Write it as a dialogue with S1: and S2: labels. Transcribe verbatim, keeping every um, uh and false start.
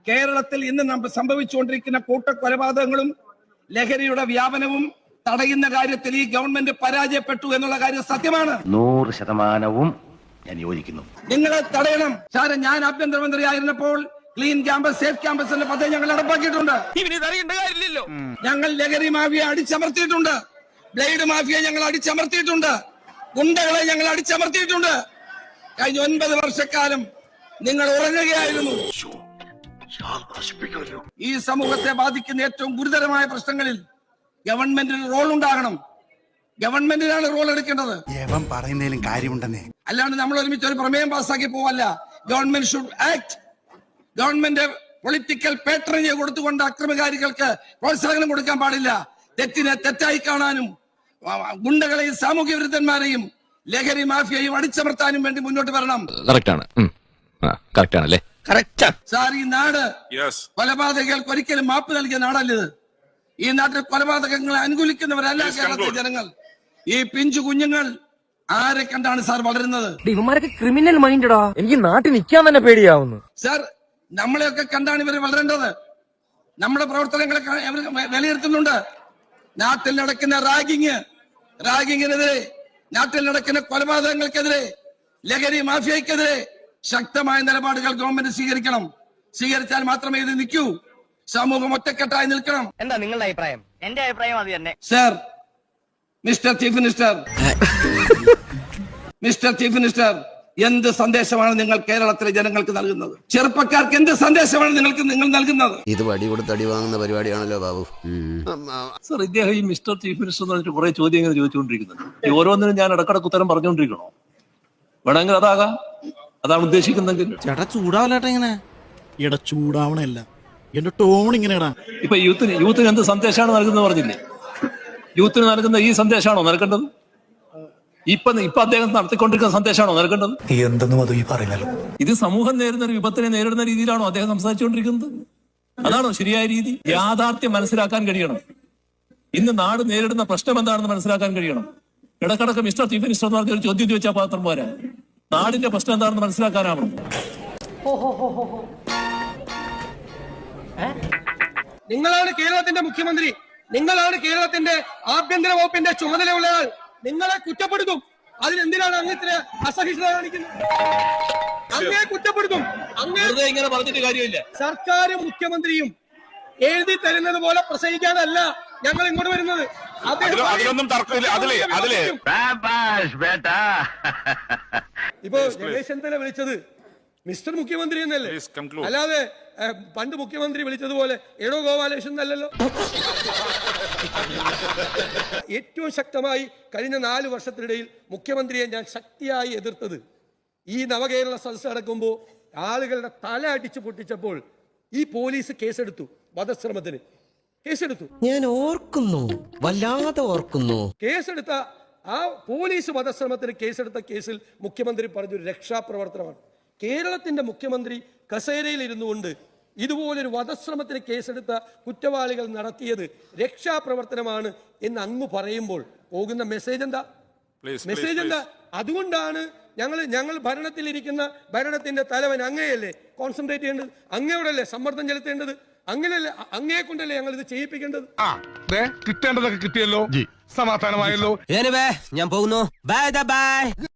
S1: കേരളത്തിൽ ഇന്ന് നമ്മൾ സംഭവിച്ചുകൊണ്ടിരിക്കുന്ന കൂട്ടക്കൊലപാതകങ്ങളും ലഹരിയുടെ വ്യാപനവും തടയുന്ന കാര്യത്തിൽ ഈ ഗവൺമെന്റ് പരാജയപ്പെട്ടു എന്നുള്ള കാര്യം സത്യമാണ്.
S2: നൂറ് ശതമാനവും ഞാൻ യോജിക്കുന്നു.
S1: നിങ്ങളെ തടയണം. സാറെ, ഞാൻ ആഭ്യന്തരമന്ത്രി ആയിരുന്നപ്പോൾ ക്ലീൻ ക്യാമ്പസ്, സേഫ് ക്യാമ്പസ് എന്ന പദ്ധതി ഞങ്ങൾ നടപ്പാക്കിയിട്ടുണ്ട്. ഞങ്ങൾ ലഹരി മാഫിയ അടിച്ചമർത്തിയിട്ടുണ്ട്. ബ്ലേഡ് മാഫിയ ഞങ്ങൾ അടിച്ചമർത്തിയിട്ടുണ്ട്. ഗുണ്ടകളെ ഞങ്ങൾ അടിച്ചമർത്തിയിട്ടുണ്ട്. കഴിഞ്ഞ ഒൻപത് വർഷക്കാലം നിങ്ങൾ ഉറങ്ങുകയായിരുന്നു. ഈ സമൂഹത്തെ ബാധിക്കുന്ന ഏറ്റവും ഗുരുതരമായ പ്രശ്നങ്ങളിൽ ഗവൺമെന്റിന് റോൾ ഉണ്ടാകണം. ഗവൺമെന്റിനാണ് റോൾ എടുക്കേണ്ടത്.
S3: പറയുന്നതിലും കാര്യമുണ്ടെന്നേ,
S1: അല്ലാണ്ട് നമ്മൾ ഒരുമിച്ച് ഒരു പ്രമേയം പാസ്സാക്കി പോവല്ല. Government should act. Government political patronage കൊടുത്തുകൊണ്ട് അക്രമകാരികൾക്ക് പ്രോത്സാഹനം കൊടുക്കാൻ പാടില്ല. തെറ്റിനെ തെറ്റായി കാണാനും ഗുണ്ടകളെയും സാമൂഹ്യ വിരുദ്ധന്മാരെയും ലഹരി മാഫിയയും അടിച്ചമർത്താനും വേണ്ടി മുന്നോട്ട് വരണം. സാർ, ഈ നാട് കൊലപാതകങ്ങൾക്ക് ഒരിക്കലും മാപ്പ് നൽകിയ നാടല്ലത്. ഈ നാട്ടിൽ കൊലപാതകങ്ങളെ അനുകൂലിക്കുന്നവരല്ല കേരളത്തിലെ ജനങ്ങൾ. ഈ പിഞ്ചു കുഞ്ഞുങ്ങൾ ആരെ കണ്ടാണ് സാർ വളരുന്നത്?
S4: ഇവന്മാരൊക്കെ ക്രിമിനൽ മൈൻഡടാ. എനിക്ക് നാട്ടിൽ നിൽക്കാൻ തന്നെ പേടിയാവുന്നു.
S1: സാർ, നമ്മളെയൊക്കെ കണ്ടാണ് ഇവർ വളരേണ്ടത്. നമ്മുടെ പ്രവർത്തനങ്ങളെ അവർ വിലയിരുത്തുന്നുണ്ട്. നാട്ടിൽ നടക്കുന്ന റാഗിങ് റാഗിങ്ങിനെതിരെ, നാട്ടിൽ നടക്കുന്ന കൊലപാതകങ്ങൾക്കെതിരെ, ലഹരി മാഫിയക്കെതിരെ ശക്തമായ നിലപാടുകൾ ഗവൺമെന്റ് സ്വീകരിക്കണം. സ്വീകരിച്ചാൽ മാത്രമേ ഇത് നിൽക്കൂ. സമൂഹം ഒറ്റക്കെട്ടായി നിൽക്കണം.
S4: എന്താ നിങ്ങളുടെ അഭിപ്രായം? എന്റെ അഭിപ്രായം അത് തന്നെ.
S1: Sir, mister chief minister mister chief minister എന്ത് സന്ദേശമാണ് നിങ്ങൾ കേരളത്തിലെ ജനങ്ങൾക്ക് നൽകുന്നത്? ചെറുപ്പക്കാർക്ക് എന്ത് സന്ദേശമാണ് നിങ്ങൾക്ക് നിങ്ങൾ നൽകുന്നത്?
S5: ഇത് വടി കൊടുത്ത് അടി വാങ്ങുന്ന പരിപാടിയാണല്ലോ ബാബു.
S6: സർ, ഇദ്ദേഹം ഈ മിസ്റ്റർ ചീഫ് മിനിസ്റ്റർ എന്ന് പറഞ്ഞിട്ട് കുറെ ചോദ്യങ്ങൾ ചോദിച്ചുകൊണ്ടിരിക്കുന്നുണ്ട്. ഈ ഓരോന്നിനും ഞാൻ ഇടക്കിടക്ക് ഉത്തരം പറഞ്ഞുകൊണ്ടിരിക്കണോ? വേണമെങ്കിൽ അതാകാം, അതാണ് ഉദ്ദേശിക്കുന്നെങ്കിൽ.
S3: ചേട്ടാ ചൂടാവല്ലേട്ടാ ഇങ്ങനെ. എടാ ചൂടാവണല്ല, എന്റെ ടോൺ ഇങ്ങനെയാടാ.
S6: ഇപ്പൊ യൂത്തിന് യൂത്തിന് എന്ത് സന്ദേശമാണ് നൽകുന്നത് പറഞ്ഞില്ലേ? യൂത്തിന് നൽകുന്ന ഈ സന്ദേശമാണോ നൽകേണ്ടത്? ഇപ്പൊ ഇപ്പൊ അദ്ദേഹം നടത്തിക്കൊണ്ടിരിക്കുന്ന സന്ദേശമാണോ നൽകേണ്ടത്?
S3: എന്തെന്നും അത് ഈ പറയുന്നല്ലോ.
S6: ഇത് സമൂഹം നേരിടുന്ന ഒരു വിപത്തിനെ നേരിടുന്ന രീതിയിലാണോ അദ്ദേഹം സംസാരിച്ചുകൊണ്ടിരിക്കുന്നത്? അതാണോ ശരിയായ രീതി? യാഥാർത്ഥ്യം മനസ്സിലാക്കാൻ കഴിയണം. ഇന്ന് നാട് നേരിടുന്ന പ്രശ്നം എന്താണെന്ന് മനസ്സിലാക്കാൻ കഴിയണം. ഇടക്കിടക്ക് മിസ്റ്റർ ചീഫ് മിനിസ്റ്റർ എന്ന് പറഞ്ഞ ഒരു ചോദ്യം ചോദിച്ചാൽ പാത്രം പോരാ. നാടിന്റെ പ്രശ്നം എന്താണെന്ന് മനസ്സിലാക്കാനാവണം.
S1: നിങ്ങളാണ് കേരളത്തിന്റെ മുഖ്യമന്ത്രി. നിങ്ങളാണ് കേരളത്തിന്റെ ആഭ്യന്തര വകുപ്പിന്റെ ചുമതലയുള്ളയാൾ. നിങ്ങളെ കുറ്റപ്പെടുത്തും. അതിനെന്തിനാണ് അങ്ങനത്തെ അസഹിഷ്ണുത കാണിക്കുന്നത്? അങ്ങേ കുറ്റപ്പെടുത്തും.
S6: വെറുതെ ഇങ്ങനെ പറഞ്ഞിട്ട് കാര്യമില്ല.
S1: സർക്കാരും മുഖ്യമന്ത്രിയും എഴുതി തരുന്നത് പോലെ പ്രസംഗിക്കാനല്ല ഞങ്ങൾ ഇങ്ങോട്ട് വരുന്നത്. ഇപ്പൊ രമേശ് ചെന്നിത്തല വിളിച്ചത് മിസ്റ്റർ മുഖ്യമന്ത്രി എന്നല്ലേ, അല്ലാതെ പണ്ട് മുഖ്യമന്ത്രി വിളിച്ചതുപോലെ എടോ ഗോപാലകൃഷ്ണൻ എന്നല്ലല്ലോ. ഏറ്റവും ശക്തമായി കഴിഞ്ഞ നാല് വർഷത്തിനിടയിൽ മുഖ്യമന്ത്രിയെ ഞാൻ ശക്തിയായി എതിർത്തത് ഈ നവകേരള സദസ്സ് നടക്കുമ്പോൾ ആളുകളുടെ തല അടിച്ചു പൊട്ടിച്ചപ്പോൾ ഈ പോലീസ് കേസെടുത്തു. വധശ്രമത്തിന് കേസെടുത്തു.
S5: ഞാൻ ഓർക്കുന്നു, വല്ലാതെ ഓർക്കുന്നു.
S1: കേസെടുത്ത ആ പോലീസ് വധശ്രമത്തിന് കേസെടുത്ത കേസിൽ മുഖ്യമന്ത്രി പറഞ്ഞൊരു രക്ഷാപ്രവർത്തനമാണ്. കേരളത്തിന്റെ മുഖ്യമന്ത്രി കസേരയിൽ ഇരുന്നു കൊണ്ട് ഇതുപോലൊരു വധശ്രമത്തിന് കേസെടുത്ത കുറ്റവാളികൾ നടത്തിയത് രക്ഷാപ്രവർത്തനമാണ് എന്ന് അങ്ങ് പറയുമ്പോൾ പോകുന്ന മെസ്സേജ് എന്താ? മെസ്സേജ് എന്താ? അതുകൊണ്ടാണ് ഞങ്ങൾ ഞങ്ങൾ ഭരണത്തിലിരിക്കുന്ന ഭരണത്തിന്റെ തലവൻ അങ്ങയെയല്ലേ കോൺസെൻട്രേറ്റ് ചെയ്യേണ്ടത്, അങ്ങയോടല്ലേ സമ്മർദ്ദം ചെലുത്തേണ്ടത്, അങ്ങനെയല്ലേ അങ്ങയെ കൊണ്ടല്ലേ ഞങ്ങൾ ഇത് ചെയ്യിപ്പിക്കേണ്ടത്.
S7: കിട്ടേണ്ടതൊക്കെ കിട്ടിയല്ലോ, സമാധാനമായല്ലോ.
S5: ഞാൻ പോകുന്നു. Bye by.